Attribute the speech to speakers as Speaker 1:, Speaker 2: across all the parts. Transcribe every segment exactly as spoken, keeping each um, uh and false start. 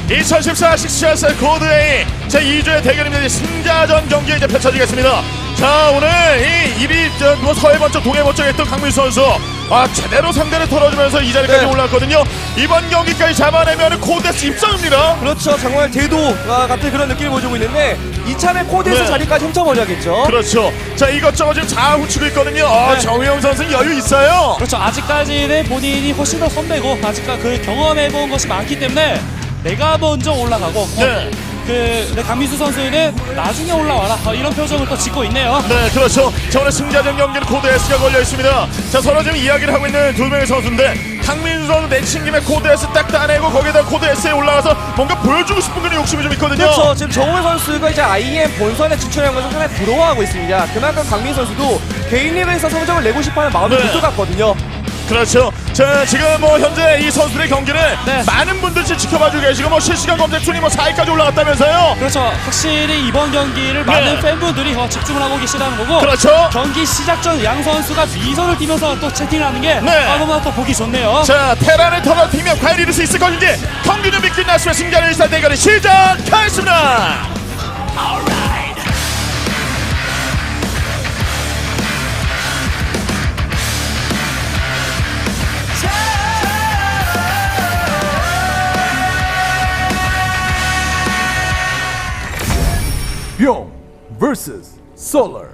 Speaker 1: 이천십사 식스샷 코드 A 제이 주의 대결입니다. 승자전 경기 이제 펼쳐지겠습니다. 자, 오늘 이 일 위 뭐 서해 번쩍 동해 번쩍 했던 강민수 선수 아 제대로 상대를 털어주면서 이 자리까지
Speaker 2: 네.
Speaker 1: 올랐거든요. 이번 경기까지 잡아내면 코데스 입성입니다.
Speaker 2: 그렇죠. 정말 대도와 같은 그런 느낌을 보여주고 있는데 이참에 코드에서
Speaker 1: 네.
Speaker 2: 자리까지 훔쳐버려야겠죠.
Speaker 1: 그렇죠. 자, 이것저것 지금 잘 훔치고 있거든요. 아,
Speaker 3: 네.
Speaker 1: 정우영 선수는 여유 있어요.
Speaker 3: 그렇죠. 아직까지는 본인이 훨씬 더 선배고 아직까지 그 경험해본 것이 많기 때문에 내가 먼저 올라가고
Speaker 1: 네.
Speaker 3: 그 네, 강민수 선수는 나중에 올라와라 어, 이런 표정을 또 짓고 있네요.
Speaker 1: 네, 그렇죠. 자, 오늘 승자전 경기는 코드 S가 걸려 있습니다. 자, 서로 지금 이야기를 하고 있는 두 명의 선수인데 강민수 선수 내친 김에 코드 S 딱 따내고 거기에다 코드 S에 올라가서 뭔가 보여주고 싶은 그런 욕심이 좀 있거든요.
Speaker 2: 그렇죠. 지금 정우영 선수가 이제 아이엠 본선에 진출하면서 상당히 부러워하고 있습니다. 그만큼 강민 선수도 개인 리그에서 성적을 내고 싶어하는 마음이
Speaker 1: 네.
Speaker 2: 들것 같거든요.
Speaker 1: 그렇죠. 자, 지금 뭐 현재 이 선수들의 경기를
Speaker 3: 네.
Speaker 1: 많은 분들이 지켜봐주고 계시고 뭐 실시간 검색 순위 뭐 사 위까지 올라갔다면서요.
Speaker 3: 그렇죠. 확실히 이번 경기를
Speaker 1: 네.
Speaker 3: 많은 팬분들이 어, 집중을 하고 계시다는 거고
Speaker 1: 그렇죠.
Speaker 3: 경기 시작 전 양 선수가 미선을 띠면서 또 채팅을 하는 게
Speaker 1: 네.
Speaker 3: 아, 너무나 또 보기 좋네요.
Speaker 1: 자, 테란을 털어팀면 과연 이룰 수 있을 것인지 경기 준비 끝났으면 승자는 일산 대결이 시작하겠습니다.
Speaker 4: 뿅 vs 솔러.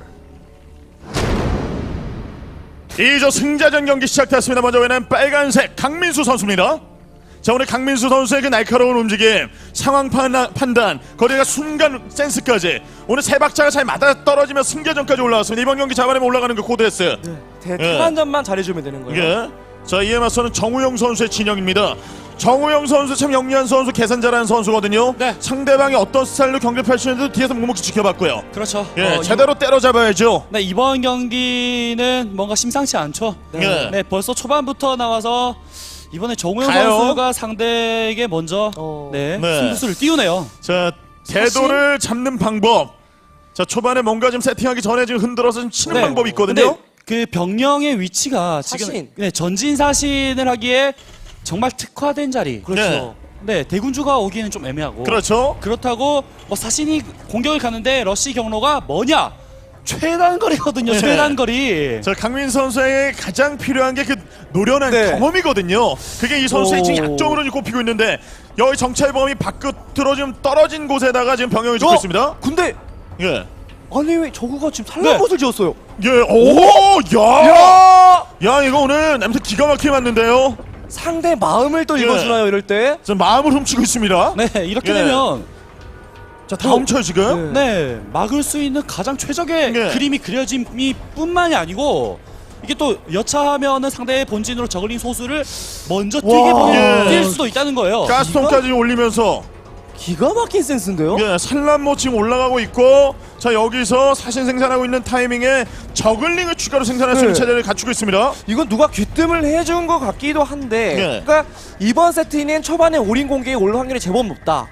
Speaker 1: 이조 승자전 경기 시작됐습니다. 먼저 외는 빨간색 강민수 선수입니다. 자, 오늘 강민수 선수의 그 날카로운 움직임, 상황 판단, 판단 거리가 순간 센스까지 오늘 세 박자가 잘 맞아 떨어지며 승자전까지 올라왔습니다. 이번 경기 잡아내면 올라가는 그 코드 S.
Speaker 2: 대,
Speaker 1: 예.
Speaker 2: 한 점만 잘해주면 되는 거예요.
Speaker 1: 예. 자, 이에 맞서는 정우영 선수의 진영입니다. 정우영 선수 참 영리한 선수, 계산 잘하는 선수거든요.
Speaker 3: 네.
Speaker 1: 상대방이 어떤 스타일로 경기를 펼치는지도 뒤에서 묵묵히 지켜봤고요.
Speaker 3: 그렇죠.
Speaker 1: 예,
Speaker 3: 어,
Speaker 1: 제대로 때려잡아야죠.
Speaker 3: 네, 이번 경기는 뭔가 심상치 않죠.
Speaker 1: 네.
Speaker 3: 네, 벌써 초반부터 나와서 이번에 정우영
Speaker 1: 가요.
Speaker 3: 선수가 상대에게 먼저
Speaker 2: 어.
Speaker 3: 네,
Speaker 1: 네.
Speaker 3: 승부수를 띄우네요.
Speaker 1: 자, 궤도를 잡는 방법. 자, 초반에 뭔가 좀 세팅하기 전에 지금 흔들어서 좀 치는
Speaker 3: 네.
Speaker 1: 방법이 있거든요.
Speaker 3: 근데 그 병령의 위치가 지금
Speaker 2: 사신.
Speaker 3: 네, 전진 사신을 하기에 정말 특화된 자리.
Speaker 2: 그렇죠.
Speaker 3: 네, 대군주가 오기에는 좀 애매하고.
Speaker 1: 그렇죠.
Speaker 3: 그렇다고 뭐 사신이 공격을 가는데 러시 경로가 뭐냐? 최단 거리거든요.
Speaker 1: 네.
Speaker 3: 최단 거리.
Speaker 1: 자, 강민 선수에게 가장 필요한 게 그 노련한
Speaker 2: 네.
Speaker 1: 경험이거든요. 그게 이 선수의
Speaker 2: 오.
Speaker 1: 지금 약점으로 지금 꼽히고 있는데 여기 정찰 범위 바깥으로 지금 떨어진 곳에다가 지금 병영을 짓고
Speaker 2: 어?
Speaker 1: 있습니다.
Speaker 2: 근데
Speaker 1: 예.
Speaker 2: 아니 왜 저거가 지금 산란못을 지었어요?
Speaker 1: 예. 오! 야!
Speaker 2: 야!
Speaker 1: 야, 이거 오늘 냄새 기가 막히게 맞는데요.
Speaker 2: 상대 마음을 또
Speaker 1: 예.
Speaker 2: 읽어주나요 이럴 때?
Speaker 1: 지금 마음을 훔치고 있습니다.
Speaker 3: 네, 이렇게
Speaker 1: 예.
Speaker 3: 되면
Speaker 1: 자, 다 훔쳐요, 지금.
Speaker 3: 네, 막을 수 있는 가장 최적의
Speaker 1: 네.
Speaker 3: 그림이 그려짐이 뿐만이 아니고 이게 또 여차하면은 상대의 본진으로 저글링 소수를 먼저 뛰게
Speaker 2: 와.
Speaker 3: 보낼
Speaker 1: 예.
Speaker 3: 뛸 수도 있다는 거예요.
Speaker 1: 가스통까지 올리면서
Speaker 2: 기가 막힌 센스인데요?
Speaker 1: 예, 산란모 지금 올라가고 있고 자, 여기서 사신 생산하고 있는 타이밍에 저글링을 추가로 생산할 수 있는
Speaker 2: 네.
Speaker 1: 체제를 갖추고 있습니다.
Speaker 2: 이건 누가 귀뜸을 해준 것 같기도 한데
Speaker 1: 네.
Speaker 2: 그러니까 이번 세트는 초반에 올인 공격에 올 확률이 제법 높다.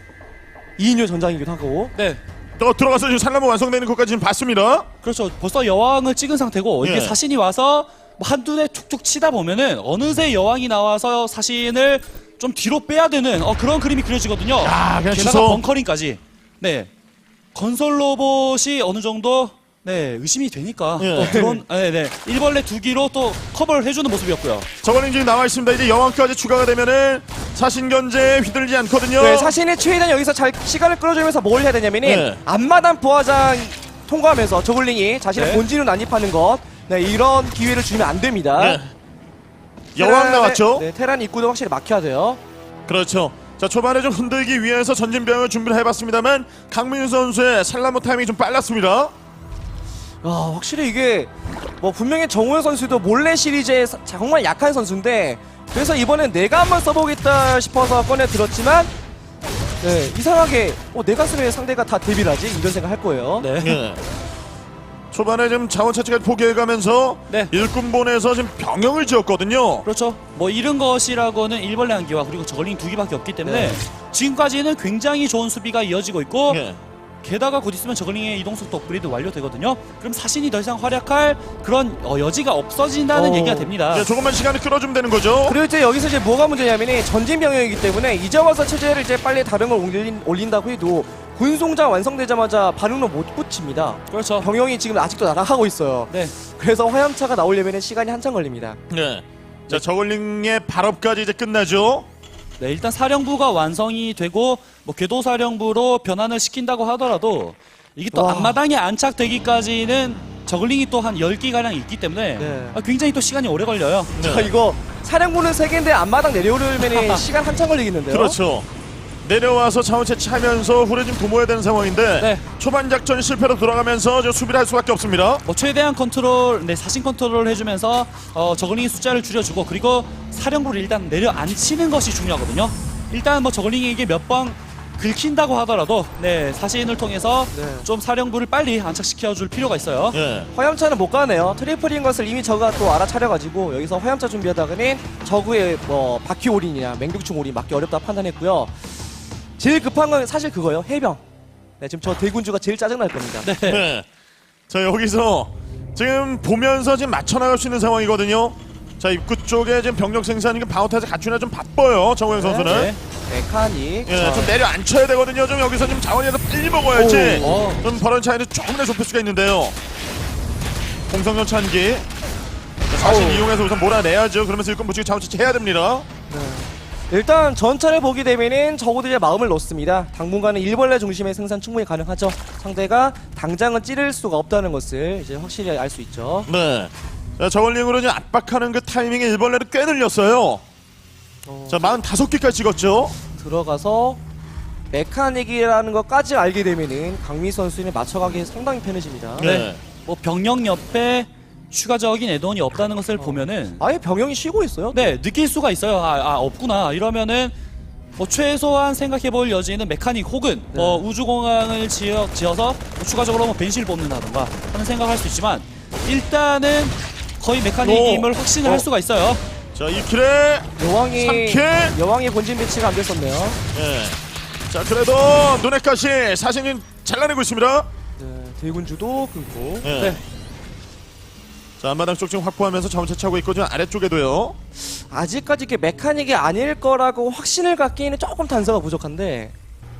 Speaker 2: 이인율 전장이기도 하고
Speaker 3: 네,
Speaker 1: 또 들어가서 지금 산란모 완성되는 것까지 지금 봤습니다.
Speaker 3: 그렇죠. 벌써 여왕을 찍은 상태고
Speaker 1: 예.
Speaker 3: 이게 사신이 와서 뭐 한두 대 툭툭 치다 보면은 어느새 여왕이 나와서 사신을 좀 뒤로 빼야 되는 어, 그런 그림이 그려지거든요.
Speaker 1: 야, 그냥
Speaker 3: 게다가
Speaker 1: 취소.
Speaker 3: 벙커링까지. 네, 건설 로봇이 어느 정도 네 의심이 되니까
Speaker 1: 예.
Speaker 3: 또 드론, 아, 네, 네, 일벌레 두 기로 또 커버를 해주는 모습이었고요.
Speaker 1: 저글링 지금 나와 있습니다. 이제 여왕까지 추가가 되면은 사신 견제에 휘둘리지 않거든요.
Speaker 2: 네, 사신의 최대한 여기서 잘 시간을 끌어주면서 뭘 해야 되냐면은
Speaker 1: 네.
Speaker 2: 앞마당 부화장 통과하면서 저글링이 자신의
Speaker 3: 네.
Speaker 2: 본진으로 난입하는 것 네, 이런 기회를 주면 안 됩니다.
Speaker 1: 네. 여왕
Speaker 2: 테란의-
Speaker 1: 나왔죠.
Speaker 2: 네, 테란 입구도 확실히 막혀야 돼요.
Speaker 1: 그렇죠. 자, 초반에 좀 흔들기 위해서 전진병을 준비를 해봤습니다만 강민수 선수의 산란모 타이밍이 좀 빨랐습니다.
Speaker 2: 아, 확실히 이게 뭐 분명히 정우영 선수도 몰래 시리즈에 사- 정말 약한 선수인데 그래서 이번엔 내가 한번 써보겠다 싶어서 꺼내 들었지만 네, 이상하게 어, 내가 쓰면 상대가 다 데뷔를 하지 이런 생각 할 거예요.
Speaker 3: 네.
Speaker 1: 예. 초반에 좀 자원 차치까지 포기해가면서
Speaker 3: 네.
Speaker 1: 일꾼 보내서 지금 병영을 지었거든요.
Speaker 3: 그렇죠. 뭐 잃은 것이라고는 일벌레 한 기와 그리고 저글링 두 기밖에 없기 때문에
Speaker 2: 네.
Speaker 3: 지금까지는 굉장히 좋은 수비가 이어지고 있고
Speaker 1: 예.
Speaker 3: 게다가 곧 있으면 저글링의 이동속도 업그레이드 완료되거든요. 그럼 사신이 더 이상 활약할 그런 어, 여지가 없어진다는
Speaker 2: 어.
Speaker 3: 얘기가 됩니다.
Speaker 1: 네, 조금만 시간을 끌어주면 되는 거죠.
Speaker 2: 그리고 이제 여기서 이제 뭐가 문제냐면이 전진 병력이기 때문에 이제 와서 체제를 이제 빨리 다른 걸 올린, 올린다고 해도 군송장 완성되자마자 반응로 못 붙입니다.
Speaker 3: 그렇죠.
Speaker 2: 병영이 지금 아직도 날아가고 있어요.
Speaker 3: 네.
Speaker 2: 그래서 화염차가 나오려면 시간이 한참 걸립니다.
Speaker 1: 네. 자, 저글링의 발업까지 이제 끝나죠.
Speaker 3: 네, 일단 사령부가 완성이 되고 뭐 궤도 사령부로 변환을 시킨다고 하더라도 이게 또
Speaker 2: 와.
Speaker 3: 앞마당에 안착되기까지는 저글링이 또 한 열 기 가량 있기 때문에
Speaker 2: 네.
Speaker 3: 아, 굉장히 또 시간이 오래 걸려요.
Speaker 1: 네.
Speaker 2: 자, 이거 사령부는 세 개인데 앞마당 내려오려면 시간 한참 걸리겠는데요.
Speaker 1: 그렇죠. 내려와서 자원 채취하면서 후레짐 도모해야 되는 상황인데
Speaker 3: 네.
Speaker 1: 초반 작전이 실패로 돌아가면서 저 수비를 할 수밖에 없습니다.
Speaker 3: 뭐 최대한 컨트롤, 네, 사신 컨트롤을 해주면서 어, 저글링의 숫자를 줄여주고 그리고 사령부를 일단 내려앉히는 것이 중요하거든요. 일단 뭐 저글링에게 몇 번 긁힌다고 하더라도 네, 사신을 통해서
Speaker 2: 네.
Speaker 3: 좀 사령부를 빨리 안착시켜줄 필요가 있어요.
Speaker 1: 예.
Speaker 2: 화염차는 못 가네요. 트리플인 것을 이미 저가 또 알아차려가지고 여기서 화염차 준비하다가는 저그의 뭐 바퀴 올인이나 맹독충 올인 맞기 어렵다 판단했고요. 제일 급한 건 사실 그거예요. 해병. 네, 지금 저 대군주가 제일 짜증날 겁니다.
Speaker 3: 네.
Speaker 1: 네. 자, 여기서 지금 보면서 지금 맞춰나갈 수 있는 상황이거든요. 자, 입구 쪽에 지금 병력 생산이 방어타자 갖추나 좀 바빠요. 정우영 선수는.
Speaker 3: 네.
Speaker 2: 메카닉.
Speaker 1: 예,
Speaker 2: 자,
Speaker 1: 좀 내려앉혀야 되거든요. 좀 여기서 좀 자원이라도 빨리 먹어야지.
Speaker 3: 오, 어.
Speaker 1: 좀 벌어진 차이를 조금이나 좁힐 수가 있는데요. 공성전 찬기. 사실
Speaker 2: 어우.
Speaker 1: 이용해서 우선 몰아내야죠. 그러면서 일꾼 무치기 자원 채취해야 됩니다.
Speaker 2: 네. 일단 전차를 보게 되면은 적어들의 마음을 놓습니다. 당분간은 일벌레 중심의 생산 충분히 가능하죠. 상대가 당장은 찌를 수가 없다는 것을 이제 확실히 알 수 있죠.
Speaker 1: 네. 자, 저글링으로 지금 압박하는 그 타이밍에 일벌레를 꽤 늘렸어요.
Speaker 2: 어,
Speaker 1: 자, 사십오 개까지 찍었죠.
Speaker 2: 들어가서 메카닉이라는 것까지 알게 되면은 강미 선수는 맞춰가기 상당히 편해집니다.
Speaker 1: 네.
Speaker 3: 뭐 병력 옆에 추가적인 애돈이 없다는 것을 보면은
Speaker 2: 아예 병영이 쉬고 있어요.
Speaker 3: 네, 느낄 수가 있어요. 아, 아 없구나. 이러면은 뭐 최소한 생각해볼 여지는 메카닉 혹은
Speaker 2: 네.
Speaker 3: 뭐 우주공항을 지어, 지어서 뭐 추가적으로 뭐 벤시를 뽑는다던가 하는 생각을 할 수 있지만 일단은 거의 메카닉임을 확신을
Speaker 1: 어.
Speaker 3: 할 수가 있어요.
Speaker 1: 자, 이 킬에
Speaker 2: 여왕이
Speaker 1: 삼 킬.
Speaker 2: 여왕의 본진 배치가 안 됐었네요.
Speaker 1: 예. 자, 그래도 눈에 가시 사신이 잘라내고 있습니다.
Speaker 2: 네, 대군주도 끊고.
Speaker 1: 예.
Speaker 3: 네.
Speaker 1: 자, 앞마당 쪽 지금 확보하면서 자원 채취하고 있고 지금 아래쪽에도요.
Speaker 2: 아직까지 이게 메카닉이 아닐 거라고 확신을 갖기에는 조금 단서가 부족한데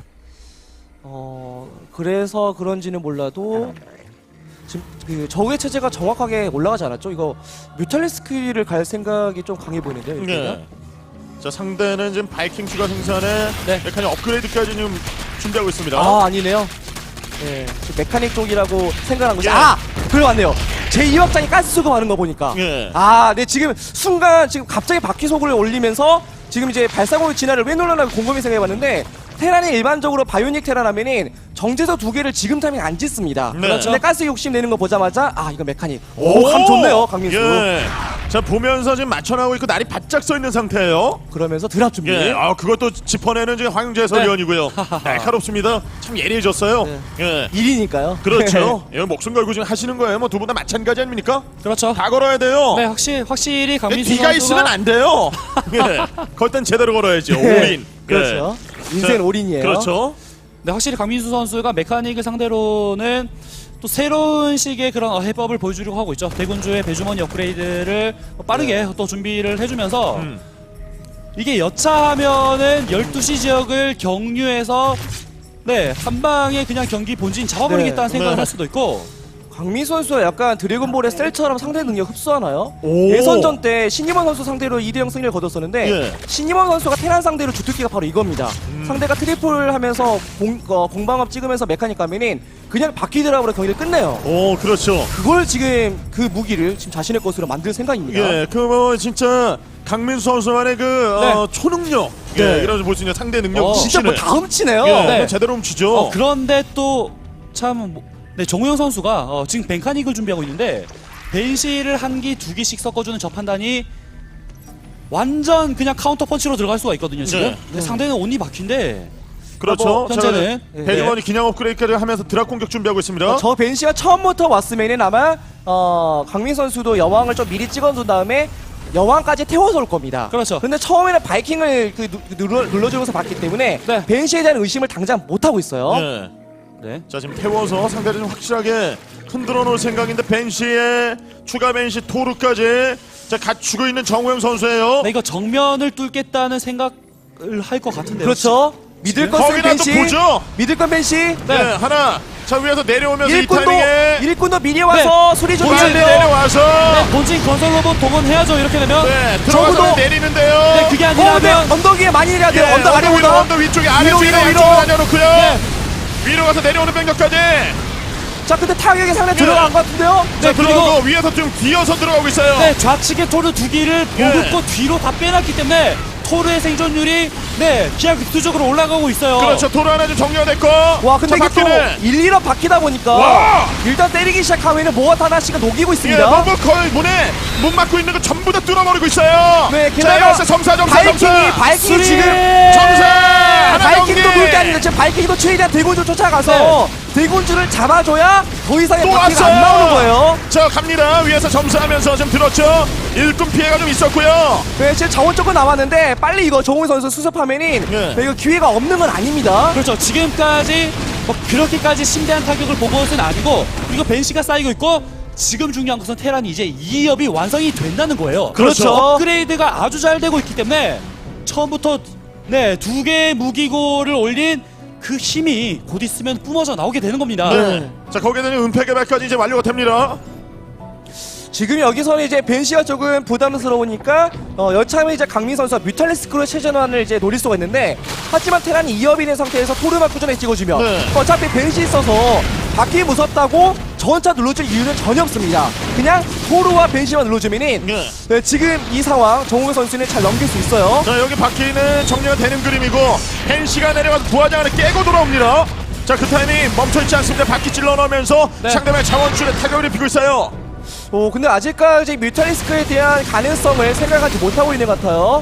Speaker 2: 어 그래서 그런지는 몰라도 지금 그 저우의 체제가 정확하게 올라가지 않았죠? 이거 뮤탈리스크를 갈 생각이 좀 강해 보이는데요. 이렇게
Speaker 1: 네. 자, 상대는 지금 바이킹 추가 생산에
Speaker 3: 네.
Speaker 1: 메카닉 업그레이드까지 지금 준비하고 있습니다.
Speaker 2: 아 아니네요. 네, 지금 메카닉 쪽이라고 생각한 거죠.
Speaker 1: 예.
Speaker 2: 아 그래 맞네요. 제이 확장이 가스 수급하는 거 보니까.
Speaker 1: 예.
Speaker 2: 아, 네 지금 순간 지금 갑자기 바퀴 속을 올리면서 지금 이제 발사공의 진화를 왜 놀라나 곰곰이 생각해봤는데 테란이 일반적으로 바이오닉 테란 하면은 정제소 두 개를 지금 타이밍 안 짓습니다.
Speaker 1: 네.
Speaker 2: 그렇죠. 근데 가스 욕심 내는 거 보자마자 아 이거 메카닉. 오, 감 좋네요 강민수.
Speaker 1: 예. 자, 보면서 지금 맞춰나오고 있고 날이 바짝 서 있는 상태예요.
Speaker 2: 그러면서 드랍 준비.
Speaker 1: 예. 아, 그것도 짚어내는 지금 황영재 해설위원이고요. 날카롭습니다. 참 예리해졌어요.
Speaker 2: 네.
Speaker 1: 예.
Speaker 2: 일이니까요.
Speaker 1: 그렇죠. 예, 목숨 걸고 지금 하시는 거예요. 뭐 두 분 다 마찬가지 아닙니까?
Speaker 3: 그렇죠.
Speaker 1: 다 걸어야 돼요.
Speaker 3: 네, 확실히 확실히 강민수
Speaker 1: 뒤가
Speaker 3: 선수가
Speaker 1: 있으면 안 돼요. 예. 걸 땐 제대로 걸어야죠.
Speaker 2: 네.
Speaker 1: 올인.
Speaker 2: 그렇죠.
Speaker 1: 예.
Speaker 2: 인생
Speaker 1: 자,
Speaker 2: 올인이에요.
Speaker 1: 그렇죠.
Speaker 3: 네, 확실히 강민수 선수가 메카닉을 상대로는 또 새로운 식의 그런 어, 해법을 보여주려고 하고 있죠. 대군주의 배주머니 업그레이드를 빠르게 또 준비를 해주면서
Speaker 1: 음.
Speaker 3: 이게 여차하면은 열두 시 지역을 경유해서 네, 한 방에 그냥 경기 본진 잡아버리겠다는
Speaker 2: 네.
Speaker 3: 생각을
Speaker 1: 네.
Speaker 3: 할 수도 있고
Speaker 2: 강민 선수가 약간 드래곤볼의 셀처럼 상대 능력 흡수하나요?
Speaker 1: 오.
Speaker 2: 예선전 때 신임원 선수 상대로 이 대 영 승리를 거뒀었는데
Speaker 1: 예.
Speaker 2: 신임원 선수가 테란 상대로 주특기가 바로 이겁니다.
Speaker 1: 음.
Speaker 2: 상대가 트리플 하면서 공, 어, 공방업 찍으면서 메카닉 가면은 그냥 바퀴 드랍으로 경기를 끝내요.
Speaker 1: 오, 그렇죠.
Speaker 2: 그걸 지금 그 무기를 지금 자신의 것으로 만들 생각입니다.
Speaker 1: 예, 그 뭐 진짜 강민수 선수만의 그 어, 초능력, 예,
Speaker 2: 네.
Speaker 1: 이런 볼수 있는 상대 능력,
Speaker 3: 어,
Speaker 2: 진짜 뭐
Speaker 1: 훔치는.
Speaker 2: 다 훔치네요.
Speaker 1: 예,
Speaker 3: 네.
Speaker 1: 제대로 훔치죠.
Speaker 3: 어, 그런데 또 참 네, 정우영 선수가 어, 지금 벤카닉을 준비하고 있는데 벤시를 한 기, 두 기씩 섞어주는 저 판단이 완전 그냥 카운터 펀치로 들어갈 수가 있거든요. 지금
Speaker 1: 네.
Speaker 3: 근데 상대는 온리 바퀴인데
Speaker 1: 그렇죠.
Speaker 3: 뭐, 현재는
Speaker 2: 예.
Speaker 1: 배드머니 기념 업그레이드를 하면서 드랍 공격 준비하고 있습니다.
Speaker 2: 어, 저 벤시가 처음부터 왔으면은 아마 어, 강민 선수도 여왕을 좀 미리 찍어둔 다음에 여왕까지 태워서 올 겁니다.
Speaker 3: 그렇죠.
Speaker 2: 근데 처음에는 바이킹을 그 누, 눌러, 눌러주면서 봤기 때문에
Speaker 3: 네.
Speaker 2: 벤시에 대한 의심을 당장 못 하고 있어요.
Speaker 1: 예.
Speaker 3: 네.
Speaker 1: 자 지금 태워서 상대를 좀 확실하게 흔들어 놓을 생각인데 벤시의 추가 벤시 토르까지 자 갖추고 있는 정우영 선수예요.
Speaker 3: 네, 이거 정면을 뚫겠다는 생각을 할 것 같은데요.
Speaker 2: 그렇죠. 믿을 것은
Speaker 1: 거기다 또
Speaker 2: 벤시.
Speaker 1: 보죠.
Speaker 2: 믿을 건 벤시.
Speaker 1: 네. 하나 자 위에서 내려오면서 이
Speaker 2: 일꾼도
Speaker 1: 타이밍에
Speaker 2: 일꾼도 미리 와서 소리 좀
Speaker 1: 본진
Speaker 2: 내는데요.
Speaker 1: 내려와서
Speaker 3: 네, 본진 건설 로봇 동원해야죠. 이렇게 되면.
Speaker 1: 네 들어가서
Speaker 2: 적어도-
Speaker 1: 내리는데요.
Speaker 3: 네, 그게
Speaker 2: 어, 근데
Speaker 3: 아니라면
Speaker 2: 언덕 위에 많이 내려야 돼요.
Speaker 1: 예,
Speaker 2: 언덕
Speaker 1: 위로
Speaker 2: 아래보다.
Speaker 1: 언덕 위쪽에
Speaker 2: 위로,
Speaker 1: 아래쪽에
Speaker 2: 위로, 위로.
Speaker 1: 양쪽으로 다녀놓고요.
Speaker 3: 네.
Speaker 1: 위로 가서 내려오는 병력까지
Speaker 2: 자, 근데 타격이 상당히 들어간 것 같은데요.
Speaker 1: 자
Speaker 3: 네, 그리고-
Speaker 1: 들어가고 위에서 좀 기어서 들어가고 있어요.
Speaker 3: 네, 좌측에 토르 두 기를
Speaker 1: 예.
Speaker 3: 보급고 뒤로 다 빼놨기 때문에 토르의 생존율이 네 기하급수적으로 올라가고 있어요.
Speaker 1: 그렇죠. 도로 하나 좀 정리가 됐고.
Speaker 2: 와, 근데
Speaker 1: 자,
Speaker 2: 이게 또
Speaker 1: 바퀴는
Speaker 2: 일, 이 업 바뀌다 보니까
Speaker 1: 와!
Speaker 2: 일단 때리기 시작하면은 모아 하나씩은 녹이고
Speaker 1: 예,
Speaker 2: 있습니다.
Speaker 1: 너무 거의 문에 문 막고 있는 거 전부 다 뚫어버리고 있어요.
Speaker 2: 네,
Speaker 1: 자,
Speaker 2: 게다가
Speaker 1: 여기서 점사 점사
Speaker 2: 바이킹이
Speaker 1: 점사.
Speaker 2: 바이킹이
Speaker 3: 수리!
Speaker 2: 지금
Speaker 1: 점사 하나
Speaker 2: 바이킹도
Speaker 1: 정리.
Speaker 2: 놀게 아닌데 지금 바이킹도 최대한 대군주 쫓아가서 대군주를 잡아줘야 더 이상의
Speaker 1: 또
Speaker 2: 바퀴가
Speaker 1: 왔어요.
Speaker 2: 안 나오는 거예요.
Speaker 1: 자 갑니다. 위에서 점사하면서 좀 들었죠. 일꾼 피해가 좀 있었고요.
Speaker 2: 네, 지금 자원 조금 남았는데 빨리 이거 정우영 선수 수습하면은
Speaker 1: 네.
Speaker 2: 네, 이거 기회가 없는 건 아닙니다.
Speaker 3: 그렇죠. 지금까지 뭐 그렇게까지 심대한 타격을 본 것은 아니고 그리고 벤시가 쌓이고 있고 지금 중요한 것은 테란이 이제 이 업이 완성이 된다는 거예요.
Speaker 2: 그렇죠.
Speaker 3: 업그레이드가 아주 잘 되고 있기 때문에 처음부터 네 두 개의 무기고를 올린 그 힘이 곧 있으면 뿜어져 나오게 되는 겁니다.
Speaker 1: 네. 자 거기에 대한 은폐 개발까지 이제 완료가 됩니다.
Speaker 2: 지금 여기서는 이제 벤시가 조금 부담스러우니까 어, 여차하면 이제 강민 선수가 뮤탈리스크로 최전환을 이제 노릴 수가 있는데 하지만 테란이 이 업이 된 상태에서 토르만 꾸준히 찍어주면
Speaker 1: 네.
Speaker 2: 어차피 벤시 있어서 바퀴 무섭다고 전차 눌러줄 이유는 전혀 없습니다. 그냥 토르와 벤시만 눌러주면은
Speaker 1: 네.
Speaker 2: 네, 지금 이 상황 정우영 선수는 잘 넘길 수 있어요.
Speaker 1: 자 여기 바퀴는 정리가 되는 그림이고 펜시가 내려가서 부하장을 깨고 돌아옵니다. 자 그 타이밍 멈춰있지 않습니다. 바퀴 찔러 넣으면서
Speaker 3: 네.
Speaker 1: 상대방의 자원줄에 타격을 입히고 있어요.
Speaker 2: 오, 근데 아직까지 뮤탈리스크에 대한 가능성을 생각하지 못하고 있는 것 같아요.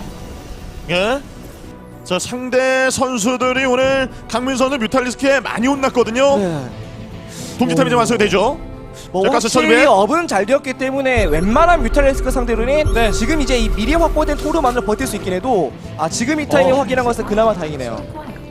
Speaker 1: 예. 자 상대 선수들이 오늘 강민 선수 뮤탈리스크에 많이 혼났거든요.
Speaker 2: 네.
Speaker 1: 동기탑이 좀 완성이 되죠.
Speaker 2: 뭐
Speaker 1: 자, 가스
Speaker 2: 확실히
Speaker 1: 처리배.
Speaker 2: 업은 잘 되었기 때문에 웬만한 뮤탈리스크 상대로는
Speaker 3: 네.
Speaker 2: 지금 이제 이 미리 확보된 토르만으로 버틸 수 있긴 해도 아 지금 이 타이밍
Speaker 1: 어.
Speaker 2: 확인한 것은 그나마 다행이네요.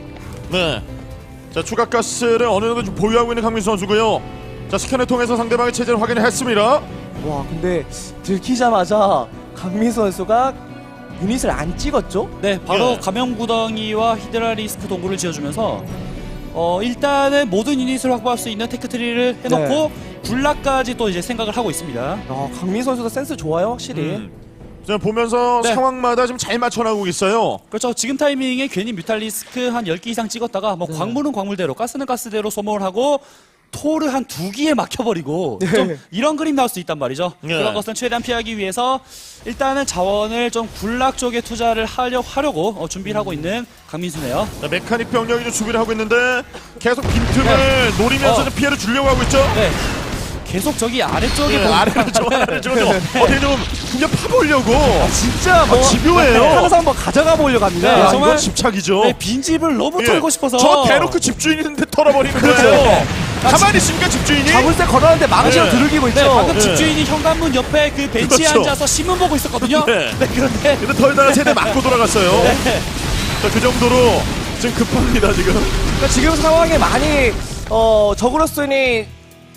Speaker 1: 네. 자 추가 가스를 어느 정도 좀 보유하고 있는 강민 선수고요. 자 스캔을 통해서 상대방의 체제를 확인을 했습니다.
Speaker 2: 와, 근데 들키자마자 강민수 선수가 유닛을 안 찍었죠?
Speaker 3: 네, 바로
Speaker 1: 예.
Speaker 3: 감염구덩이와 히드라리스크 동굴을 지어주면서 어 일단은 모든 유닛을 확보할 수 있는 테크트리를 해놓고 굴락까지 또 이제 생각을 하고 있습니다.
Speaker 2: 아, 강민수 선수가 센스 좋아요, 확실히.
Speaker 1: 음. 자 보면서
Speaker 3: 네.
Speaker 1: 상황마다 좀 잘 맞춰나가고 있어요.
Speaker 3: 그렇죠. 지금 타이밍에 괜히 뮤탈리스크 한 열 개 이상 찍었다가 뭐 광물은 광물대로 가스는 가스대로 소모를 하고 토르 한 두 기에 막혀버리고
Speaker 2: 네.
Speaker 3: 좀 이런 그림 나올 수 있단 말이죠.
Speaker 1: 네.
Speaker 3: 그런 것은 최대한 피하기 위해서 일단은 자원을 좀 굴락 쪽에 투자를 하려, 하려고 어, 준비를 하고 있는 강민수네요.
Speaker 1: 자, 메카닉 병력이 좀 수비를 하고 있는데 계속 빈틈을
Speaker 3: 네.
Speaker 1: 노리면서
Speaker 3: 어.
Speaker 1: 좀 피해를 주려고 하고 있죠.
Speaker 3: 네. 계속 저기 아래쪽에
Speaker 1: 예,
Speaker 3: 보면
Speaker 1: 아래로 좀 아래로 좀
Speaker 3: 네.
Speaker 1: 어떻게 좀 그냥 파보려고.
Speaker 2: 진짜 뭐
Speaker 1: 집요해요.
Speaker 2: 항상 뭐 가져가 보려고 합니다.
Speaker 3: 네,
Speaker 1: 야,
Speaker 3: 정말-
Speaker 1: 이건 집착이죠.
Speaker 3: 네, 빈집을 너무
Speaker 1: 예.
Speaker 3: 털고 싶어서
Speaker 1: 저 대놓고 집주인인데 털어버리는 거예요. 가만히 있습니까 집주인이?
Speaker 2: 잡을 때 걸었는데 망치로
Speaker 1: 네.
Speaker 2: 두들기고 있죠.
Speaker 3: 네, 방금
Speaker 1: 네.
Speaker 3: 집주인이 현관문 옆에 그 벤치에
Speaker 1: 그렇죠.
Speaker 3: 앉아서 신문 보고 있었거든요.
Speaker 1: 네.
Speaker 3: 네, 그런데
Speaker 1: 근데 털다가 세대 맞고 돌아갔어요.
Speaker 3: 네.
Speaker 1: 자, 그 정도로 지금 급합니다 지금.
Speaker 2: 그러니까 지금 상황에 많이 어 적으로서는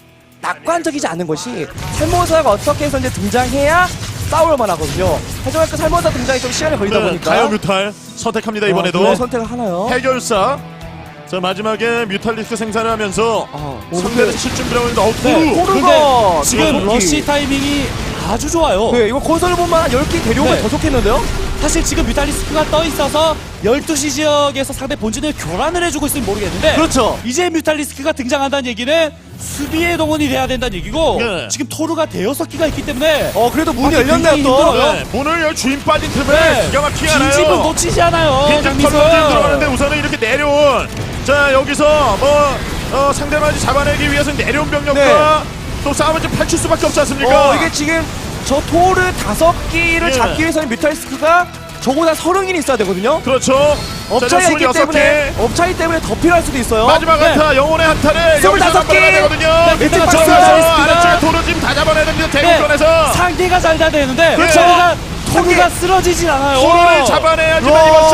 Speaker 2: 낙관적이지 않은 것이 살모사가 어떻게 해서 이제 등장해야 싸울 만하거든요. 하지만 그 살모사 등장이 좀 시간이 걸리다
Speaker 1: 네,
Speaker 2: 보니까
Speaker 1: 가요 뮤탈 선택합니다 이번에도.
Speaker 2: 아, 선택을 하나요?
Speaker 1: 해결사. 자 마지막에 뮤탈리스크 생산을 하면서
Speaker 2: 아,
Speaker 1: 상대를 칠 준비를 하고 있는데 어우
Speaker 3: 네,
Speaker 1: 토르.
Speaker 2: 토르.
Speaker 3: 근데
Speaker 2: 토르가
Speaker 3: 지금
Speaker 2: 토르기.
Speaker 3: 러시 타이밍이 아주 좋아요.
Speaker 2: 네, 이거 건설보만 열 개 데려오면
Speaker 3: 네.
Speaker 2: 더 좋겠는데요?
Speaker 3: 사실 지금 뮤탈리스크가 떠 있어서 열두 시 지역에서 상대 본진을 교란을 해주고 있으면 모르겠는데
Speaker 2: 그렇죠.
Speaker 3: 이제 뮤탈리스크가 등장한다는 얘기는 수비에 동원이 돼야 된다는 얘기고
Speaker 1: 네.
Speaker 3: 지금 토르가 대여섯 기가 있기 때문에
Speaker 2: 어, 그래도 문이
Speaker 3: 아,
Speaker 2: 열렸네요,
Speaker 3: 굉장히
Speaker 2: 또.
Speaker 3: 힘들어요.
Speaker 1: 네, 문을 열 주인 빠진 틈에
Speaker 3: 네.
Speaker 1: 기가 막히게
Speaker 3: 빈집은
Speaker 1: 하나요.
Speaker 3: 놓치지 않아요.
Speaker 1: 빈집
Speaker 3: 강민수.
Speaker 1: 털어지고 들어가는데 우선은 이렇게 내려온. 자 여기서 뭐 어, 상대방을 잡아내기 위해서 내려온 병력과 또 싸움을 좀 펼칠 수밖에 없지 않습니까?
Speaker 2: 어, 이게 지금 저 토르 다섯 기를
Speaker 1: 예.
Speaker 2: 잡기 위해서는 뮤탈리스크가 적어도 서른 일이 있어야 되거든요?
Speaker 1: 그렇죠.
Speaker 2: 업차이가 있기
Speaker 1: 스물여섯 개.
Speaker 2: 때문에 업차이 때문에 더 필요할 수도 있어요.
Speaker 1: 마지막
Speaker 3: 네.
Speaker 1: 한타 영혼의 한타를 여기서
Speaker 2: 스물다섯 개.
Speaker 1: 잡아내야 되거든요.
Speaker 3: 네,
Speaker 1: 밑에
Speaker 3: 게다가
Speaker 1: 박스에서
Speaker 3: 뮤탈리스크가-
Speaker 1: 아래쪽에 도로 지금 다 잡아내야 됩니다.
Speaker 3: 네,
Speaker 1: 대국전에서
Speaker 3: 상대가 잘 돼야 되는데
Speaker 1: 그렇죠.
Speaker 3: 토르가, 토르가 쓰러지진 않아요.
Speaker 1: 도로를 잡아내야지만
Speaker 2: 와.
Speaker 1: 이번 싸움에서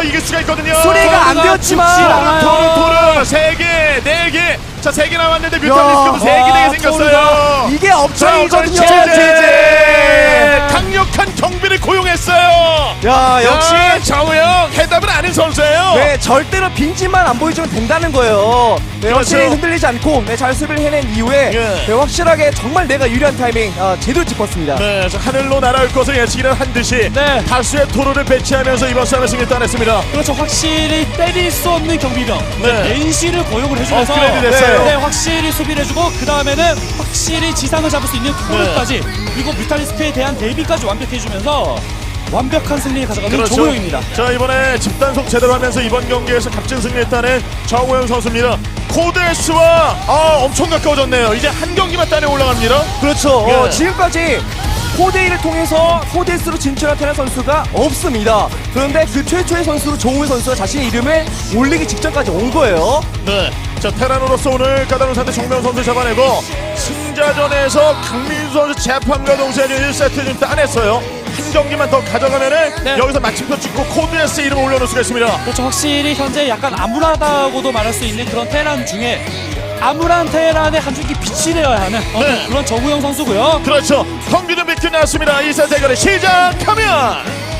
Speaker 1: 더 이길 수가 있거든요.
Speaker 2: 수리가 안 되었지만
Speaker 1: 토르 토르 세 개, 네 개. 자, 세 개 남았는데 뮤탈리스크도 세 개, 네 개 생겼어요.
Speaker 2: 이게
Speaker 1: 자,
Speaker 2: 업장이거든요.
Speaker 1: 제제 강력한 경비를 고용했어요.
Speaker 2: 야, 역시
Speaker 1: 야, 정우영 해답을 아는 선수예요.
Speaker 2: 네, 절대로 빈집만 안 보여주면 된다는 거예요. 네,
Speaker 1: 그렇죠.
Speaker 2: 확실히 흔들리지 않고 네, 잘 수비를 해낸 이후에
Speaker 1: 예.
Speaker 2: 네, 확실하게 정말 내가 유리한 타이밍 아, 제대로 짚었습니다.
Speaker 1: 네, 자, 하늘로 날아올 것을 예측이란 한 듯이
Speaker 3: 네.
Speaker 1: 다수의 토르를 배치하면서 이번 싸움에 승리 따냈습니다.
Speaker 3: 그렇죠. 확실히 때릴 수 없는 경비병
Speaker 1: 네.
Speaker 3: 낸시를 고용을 해주면서
Speaker 1: 업그레이드 됐어요.
Speaker 3: 네, 확실히 수비를 해주고 그 다음에는 확실히 지상을 잡을 수 있는 토르까지 그리고 뮤탈리스크에 대한 대비까지 완벽해주면서 완벽한 승리를 가져가는 정우영입니다.
Speaker 1: 자, 이번에 집단속 제대로 하면서 이번 경기에서 값진 승리했다는 정우영 선수입니다. 코드S와 아, 엄청 가까워졌네요. 이제 한 경기만 따내 올라갑니다.
Speaker 2: 그렇죠.
Speaker 1: 예.
Speaker 2: 어, 지금까지 코데이를 통해서 코데스로 진출한 테란 선수가 없습니다. 그런데 그 최초의 선수로 조우현 선수가 자신의 이름을 올리기 직전까지 온 거예요.
Speaker 1: 네. 자, 테란으로서 오늘 까다로운 상대 정명 선수 잡아내고 승자전에서 강민수 선수 재판과 동시에 일 세트 좀 따냈어요. 한 경기만 더 가져가면은
Speaker 3: 네.
Speaker 1: 여기서 마침표 찍고 코드S 이름 올려놓을 수가 있습니다.
Speaker 3: 그렇죠. 확실히 현재 약간 암울하다고도 말할 수 있는 그런 테란 중에 암울한 테란의 한 줄기 빛이 되어야 하는 어,
Speaker 1: 네.
Speaker 3: 그런 정우영 선수고요.
Speaker 1: 그렇죠. 경기 좀 비트 나왔습니다. 이 세트 대결을 시작하면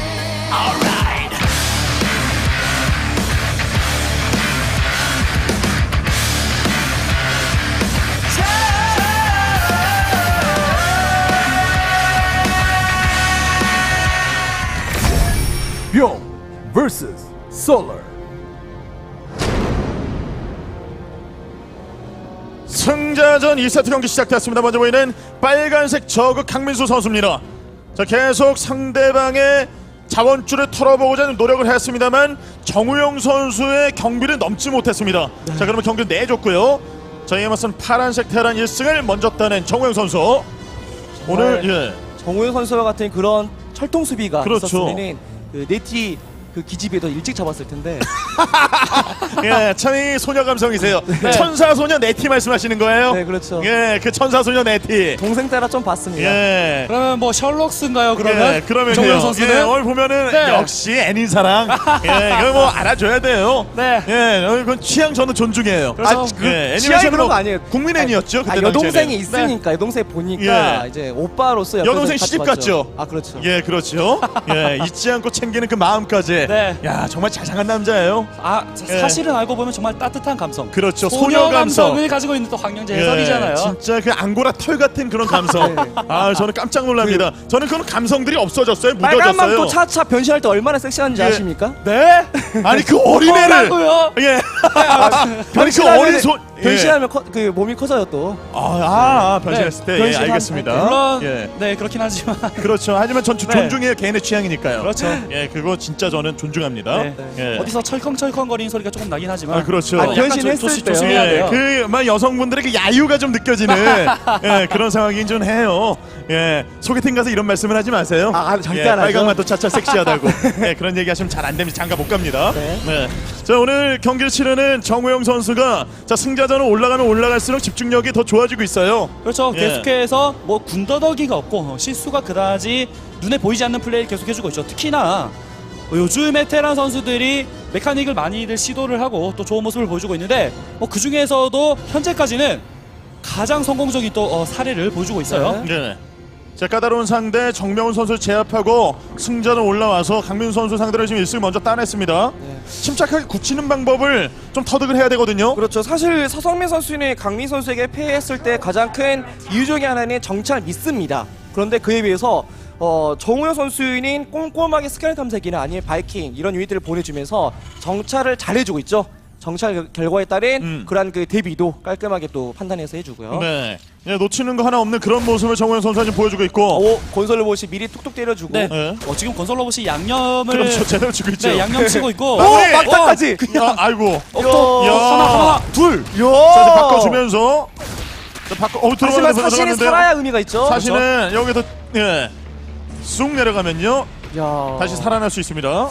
Speaker 4: 뿅 vs Solar.
Speaker 1: 승자전 이 세트 경기 시작됐습니다. 먼저 보이는 빨간색 저그 강민수 선수입니다. 자, 계속 상대방의 자원줄을 털어보고자 노력을 했습니다만 정우영 선수의 경비를 넘지 못했습니다. 자, 그러면 경기를 내줬고요. 자, 이에 맞선 파란색 테란 일 승을 먼저 따낸 정우영 선수. 오늘 예.
Speaker 2: 정우현 선수와 같은 그런 철통 수비가
Speaker 1: 그렇죠.
Speaker 2: 있었으면은 그 네티 그 기집애 더 일찍 잡았을 텐데.
Speaker 1: 예, 참 이 소녀 감성이세요. 천사 소녀 네티 말씀하시는 거예요?
Speaker 2: 네, 그렇죠.
Speaker 1: 예, 그 천사 소녀 네티.
Speaker 2: 동생 따라 좀 봤습니다.
Speaker 1: 예.
Speaker 3: 그러면 뭐 셜록스인가요? 그러면
Speaker 1: 예, 그러면요.
Speaker 3: 정우영 선수는
Speaker 1: 예, 오늘 보면은
Speaker 3: 네.
Speaker 1: 역시 애닌 사랑. 예, 이거 뭐 알아줘야 돼요.
Speaker 3: 네.
Speaker 1: 예, 어, 그건 취향 저는 존중해요.
Speaker 3: 그렇죠.
Speaker 1: 아,
Speaker 2: 그
Speaker 1: 예,
Speaker 2: 취향이
Speaker 1: 애니메이션은
Speaker 2: 그런 거
Speaker 1: 뭐
Speaker 2: 아니에요.
Speaker 1: 국민 애니였죠.
Speaker 2: 아,
Speaker 1: 그때
Speaker 2: 여동생이
Speaker 1: 당시에는.
Speaker 2: 있으니까 여동생 보니까
Speaker 1: 예.
Speaker 2: 이제 오빠로서 옆에서
Speaker 1: 여동생
Speaker 2: 같이
Speaker 1: 시집
Speaker 2: 봤죠.
Speaker 1: 갔죠?
Speaker 2: 아, 그렇죠.
Speaker 1: 예, 그렇죠. 예, 잊지 않고 챙기는 그 마음까지.
Speaker 3: 네.
Speaker 1: 야, 정말 자상한 남자예요.
Speaker 3: 아 사-
Speaker 1: 예.
Speaker 3: 사실은 알고 보면 정말 따뜻한 감성.
Speaker 1: 그렇죠.
Speaker 3: 소녀
Speaker 1: 소녀 감성.
Speaker 3: 감성을 가지고 있는 또 황영재
Speaker 1: 예,
Speaker 3: 해설이잖아요.
Speaker 1: 진짜 그 앙고라 털 같은 그런 감성.
Speaker 2: 네.
Speaker 1: 아, 저는 깜짝 놀랍니다. 저는 그런 감성들이 없어졌어요.
Speaker 2: 빨간
Speaker 1: 묻어졌어요.
Speaker 2: 망토 차차 변신할 때 얼마나 섹시한지
Speaker 1: 예.
Speaker 2: 아십니까?
Speaker 1: 네? 아니 그 어린애를.
Speaker 3: 뭐라고요?
Speaker 1: 예. 아니 그 어린 손. 예.
Speaker 2: 변신하면 커, 그 몸이 커져요 또.
Speaker 1: 아, 아, 아 변신했을 때 예,
Speaker 2: 변신한-
Speaker 1: 알겠습니다.
Speaker 3: 물론
Speaker 1: 예.
Speaker 3: 네 그렇긴 하지만
Speaker 1: 그렇죠. 하지만 전 조-
Speaker 3: 네.
Speaker 1: 존중해요. 개인의 취향이니까요.
Speaker 3: 그렇죠.
Speaker 1: 예, 그거 진짜 저는 존중합니다.
Speaker 3: 네.
Speaker 1: 예.
Speaker 3: 어디서 철컹철컹거리는 소리가 조금 나긴 하지만
Speaker 1: 아, 그렇죠.
Speaker 3: 어,
Speaker 1: 아,
Speaker 3: 약간
Speaker 2: 변신했을
Speaker 3: 조- 조심-
Speaker 2: 때요.
Speaker 3: 조심해야
Speaker 1: 예,
Speaker 3: 돼요.
Speaker 1: 그, 막 여성분들의 그 야유가 좀 느껴지는 예, 그런 상황이긴 좀 해요. 예, 소개팅 가서 이런 말씀을 하지 마세요.
Speaker 2: 아, 아, 절대
Speaker 1: 예,
Speaker 2: 안 하죠.
Speaker 1: 빨강만도 차차 섹시하다고. 예, 그런 얘기 하시면 잘 안 됩니다. 장가 못 갑니다.
Speaker 2: 네.
Speaker 1: 네. 자, 오늘 경기를 치르는 정우영 선수가 자, 승자전은 올라가면 올라갈수록 집중력이 더 좋아지고 있어요.
Speaker 3: 그렇죠.
Speaker 1: 예.
Speaker 3: 계속해서 뭐 군더더기가 없고 어, 실수가 그다지 눈에 보이지 않는 플레이를 계속해주고 있죠. 특히나 요즘에 테란 선수들이 메카닉을 많이들 시도를 하고 또 좋은 모습을 보여주고 있는데 뭐 그 중에서도 현재까지는 가장 성공적인 또 어, 사례를 보여주고 있어요.
Speaker 2: 네.
Speaker 1: 네. 자, 까다로운 상대 정명훈 선수를 제압하고 승자전 올라와서 강민수 선수 상대로 지금 일 승을 먼저 따냈습니다.
Speaker 2: 네.
Speaker 1: 침착하게 굳히는 방법을 좀 터득을 해야 되거든요.
Speaker 2: 그렇죠. 사실 서성민 선수는 강민 선수에게 패했을 때 가장 큰 이유 중에 하나는 정찰 미스입니다. 그런데 그에 비해서 어, 정우영 선수는 꼼꼼하게 스캐너 탐색이나 아니면 바이킹 이런 유닛들을 보내주면서 정찰을 잘해주고 있죠. 정찰 결- 결과에 따른
Speaker 1: 음.
Speaker 2: 그러한 그 대비도 깔끔하게 또 판단해서 해주고요.
Speaker 1: 네. 예, 놓치는 거 하나 없는 그런 모습을 정우영 선수가 지금 보여주고 있고.
Speaker 2: 오, 건설 로봇이 미리 툭툭 때려주고.
Speaker 3: 네.
Speaker 1: 네.
Speaker 3: 어, 지금 건설 로봇이 양념을
Speaker 1: 그렇죠. 제대로 치고 있죠.
Speaker 3: 네, 양념 치고 있고
Speaker 2: 오,
Speaker 1: 마무리!
Speaker 2: 막타까지.
Speaker 1: 아, 아이고.
Speaker 2: 또
Speaker 1: 야.
Speaker 3: 하나 하나 둘.
Speaker 1: 자, 이제 바꿔주면서. 자, 바꿔, 어,
Speaker 2: 하지만
Speaker 1: 들어가는데
Speaker 2: 사실은
Speaker 1: 들어가는데요.
Speaker 2: 살아야 의미가 있죠.
Speaker 1: 사실은 여기서 예. 쑥 내려가면요.
Speaker 2: 야.
Speaker 1: 다시 살아날 수 있습니다.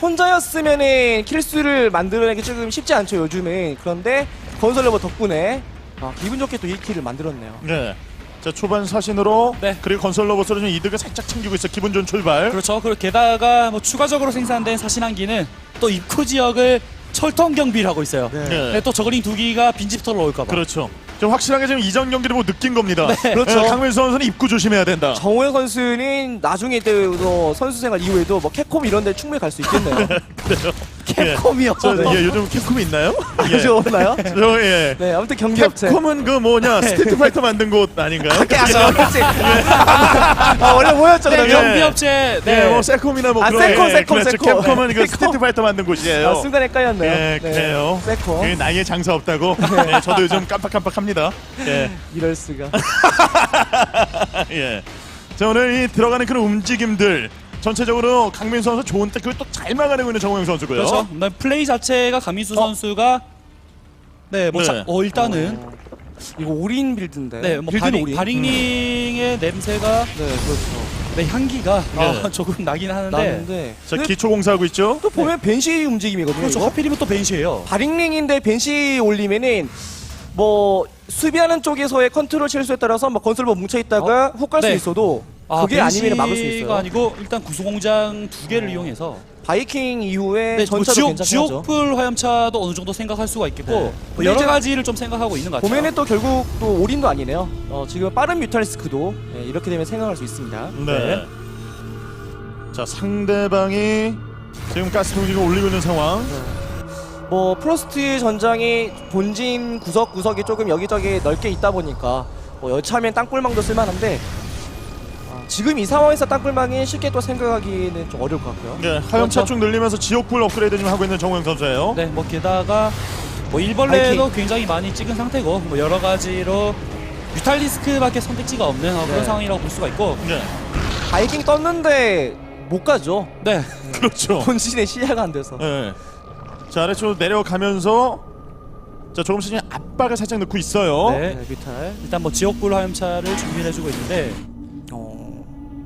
Speaker 2: 혼자였으면은 킬수를 만들어내기 조금 쉽지 않죠 요즘은. 그런데 건설 로봇 덕분에 아, 기분 좋게 또 일 킬을 만들었네요.
Speaker 1: 네. 자 초반 사신으로
Speaker 3: 네.
Speaker 1: 그리고 건설 로봇으로 좀 이득을 살짝 챙기고 있어. 기분 좋은 출발.
Speaker 3: 그렇죠. 그리고 게다가 뭐 추가적으로 생산된 사신한기는 또 입구 지역을 철통 경비를 하고 있어요.
Speaker 2: 네.
Speaker 1: 네.
Speaker 3: 네, 또 저글링 두 기가 빈집터로 올까봐.
Speaker 1: 그렇죠. 좀 확실하게 지금 이전 경기를 보고 느낀 겁니다.
Speaker 3: 네.
Speaker 2: 그렇죠.
Speaker 1: 강민수 선수는 입구 조심해야 된다.
Speaker 2: 정우영 선수는 나중에 또 선수 생활 이후에도 뭐 캡콤 이런 데 충분히 갈 수 있겠네요. 캡콤이요.
Speaker 1: 저, 예, 요즘 캡콤이 있나요? 예.
Speaker 2: 아주 없나요?
Speaker 1: 저, 예.
Speaker 2: 네, 아무튼 경기 업체.
Speaker 1: 캡콤은 그 뭐냐 스트리트 파이터 만든 곳 아닌가요?
Speaker 2: 아, 그렇지. 아, 원래 뭐였죠,
Speaker 3: 네,
Speaker 2: 그러면?
Speaker 3: 경비업체.
Speaker 1: 네,
Speaker 3: 네.
Speaker 1: 뭐 세콤이나 뭐
Speaker 2: 아,
Speaker 1: 그런
Speaker 2: 세콤,
Speaker 1: 예,
Speaker 2: 세콤,
Speaker 1: 그렇죠.
Speaker 2: 세콤.
Speaker 1: 캡콤은 그
Speaker 2: 세콤.
Speaker 1: 스트리트 파이터 만든 곳이에요.
Speaker 2: 아, 순간 헷갈렸네요.
Speaker 1: 예, 그래요.
Speaker 2: 세콤.
Speaker 1: 그 나이에 장사 없다고. 예, 저도 요즘 깜빡깜빡합니다. 예,
Speaker 2: 이럴 수가.
Speaker 1: 예. 자 오늘 이 들어가는 그런 움직임들 전체적으로 강민수 선수 좋은 때 그걸 또 잘 막아내고 있는 정우영 선수고요.
Speaker 3: 그렇죠. 네, 플레이 자체가 강민수 선수가 네, 뭐
Speaker 1: 네.
Speaker 3: 자, 어, 일단은
Speaker 2: 이거 올인 빌드인데.
Speaker 3: 네, 뭐
Speaker 2: 빌드는
Speaker 3: 바링,
Speaker 2: 올인.
Speaker 3: 바링링의 냄새가
Speaker 2: 네, 그렇죠.
Speaker 3: 네, 향기가
Speaker 1: 네.
Speaker 3: 아, 조금 나긴 하는데
Speaker 2: 나는데.
Speaker 1: 자
Speaker 2: 근데
Speaker 1: 기초 공사하고 있죠.
Speaker 2: 또 보면 벤시 움직임이거든요.
Speaker 3: 그렇죠.
Speaker 2: 이거?
Speaker 3: 하필이면 또 벤시예요.
Speaker 2: 바링링인데 벤시 올리면은 뭐 수비하는 쪽에서의 컨트롤 실수에 따라서 뭐 건설로 뭉쳐 있다가 훅 갈 수
Speaker 3: 네.
Speaker 2: 있어도 그게 아니면 막을 수 있어요.
Speaker 3: 아니고 일단 구수공장 두 개를 이용해서
Speaker 2: 바이킹 이후에
Speaker 3: 네, 뭐
Speaker 2: 전차도
Speaker 3: 지옥,
Speaker 2: 괜찮게 하죠.
Speaker 3: 지옥불 화염차도 어느 정도 생각할 수가 있겠고
Speaker 1: 네.
Speaker 3: 뭐
Speaker 2: 근데
Speaker 3: 여러
Speaker 2: 이제
Speaker 3: 가지를 좀 생각하고 있는 것 같아요.
Speaker 2: 보면은 또 결국 또 올인도 아니네요. 어, 지금 빠른 뮤탈리스크도 네, 이렇게 되면 생각할 수 있습니다.
Speaker 1: 네. 자 상대방이 지금 가스 공격을 올리고 있는 상황.
Speaker 2: 뭐 프로스트 전장이 본진 구석 구석이 조금 여기저기 넓게 있다 보니까 뭐 여차하면 땅굴망도 쓸만한데 아, 지금 이 상황에서 땅굴망이 쉽게 또 생각하기는 좀 어려울 것 같고요.
Speaker 1: 네, 화염차
Speaker 3: 그렇죠.
Speaker 1: 쭉 늘리면서 지옥불 업그레이드 좀 하고 있는 정우영 선수예요.
Speaker 3: 네, 뭐 게다가 뭐 일벌레도
Speaker 2: 바이킹.
Speaker 3: 굉장히 많이 찍은 상태고 뭐 여러 가지로 뮤탈리스크밖에 선택지가 없는 어, 그런
Speaker 2: 네.
Speaker 3: 상황이라고 볼 수가 있고
Speaker 1: 네.
Speaker 2: 바이킹 떴는데 못 가죠.
Speaker 3: 네,
Speaker 1: 그렇죠.
Speaker 2: 본진의 시야가 안 돼서.
Speaker 1: 네. 자 아래쪽으로 내려가면서 자 조금씩 그냥 압박을 살짝 넣고 있어요.
Speaker 3: 네.
Speaker 2: 네, 뮤탈.
Speaker 3: 일단 뭐 지옥불 화염차를 준비를 해주고 있는데
Speaker 2: 어...